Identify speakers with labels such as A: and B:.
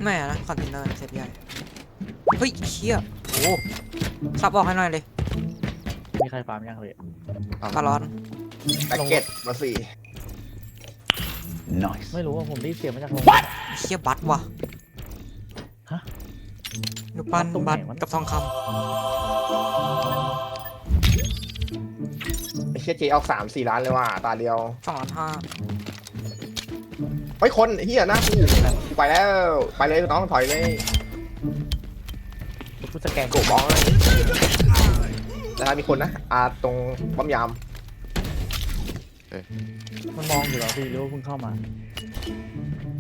A: แม่นะคอนเทนเนอร์เซฟใหญ่เฮ้ยเชี่ยโอ้ซับออกให้หน่อยเลย
B: มีใครฟาร์มยังเลย
A: คาร์ลอน
C: แพ็กเก็ตมาสี่
D: Nice.
B: ไม่รู้ว่าผมได้เสียงมาจากลง
A: เชี่ยบัตว่ะ
B: ฮะ
A: ดูปั้น
B: ตรงไหน
A: บัต
B: วะ
A: กับทองค
C: ไอ้เชี่ยเจออก3-4 ล้านเลยว่ะตาเดียว
A: ำ2,500,000
C: เฮ้ยคนไอ้เฮียหน้ากูไปแล้วไปเลยน้องถอยเลย
B: กูสแกน
C: โกบอลแต่ถ้ามีคนนะตรงปั๊มยาม
B: มันมองอยู่เหรอพี่หรือว่าเพิ่งเข้ามา